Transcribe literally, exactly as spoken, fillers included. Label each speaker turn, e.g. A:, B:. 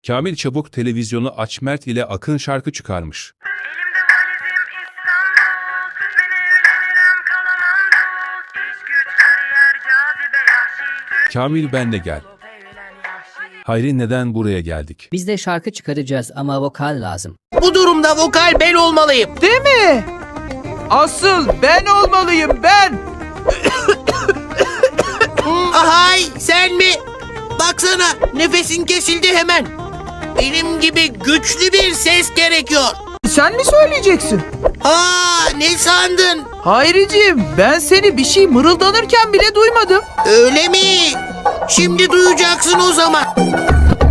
A: Kamil çabuk televizyonu aç, Mert ile Akın şarkı çıkarmış.
B: Elimde valizim İstanbul, ben evlenirim kalamam dul. İş güç kariyer cazibe yahşi.
A: Kamil ben de gel. Hayri neden buraya geldik?
C: Biz de şarkı çıkaracağız ama vokal lazım.
D: Bu durumda vokal ben olmalıyım.
E: Değil mi? Asıl ben olmalıyım ben.
D: Ahay sen mi? Baksana nefesin kesildi hemen. Benim gibi güçlü bir ses gerekiyor.
E: Sen mi söyleyeceksin?
D: Aa ne sandın?
E: Hayriciğim, ben seni bir şey mırıldanırken bile duymadım.
D: Öyle mi? Şimdi duyacaksın o zaman.